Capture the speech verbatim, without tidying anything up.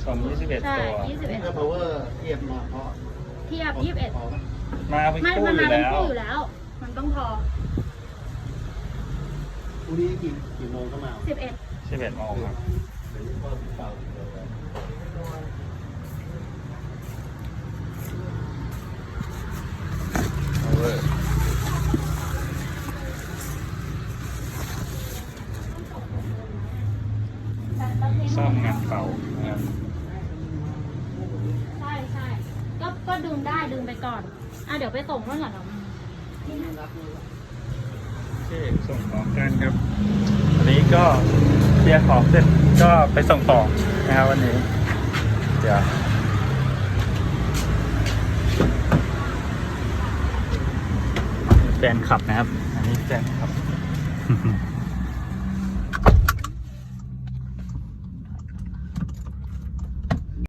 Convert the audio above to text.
คอมยี่สิบเอ็ดใช่ตัวยี่สิบเอ็ดถ้า power เทียบมาเพราะเทียบยี่สิบเอ็ดพอไหมมาเป็นไม่คู่มันอมายู่เป็นแล้วคู่อยู่แล้ว มันต้องพอพรุ่งนี้กี่กี่โมงก็มาสิบเอ็ดสิบเอ็ดโมงครับเดี๋ยวพ่อติดเปล่า power ซ่อมงานเก่านะครับใช่ใช่ก็ก็ดึงได้ดึงไปก่อนอ่ะเดี๋ยวไปส่งเมื่อก่อนเนาะโอเคส่งของกันครับวันนี้ก็เคลียร์ของเสร็จก็ไปส่งของนะครับวันนี้เดี๋ยวแฟนคลับนะครับอันนี้แฟนคลับ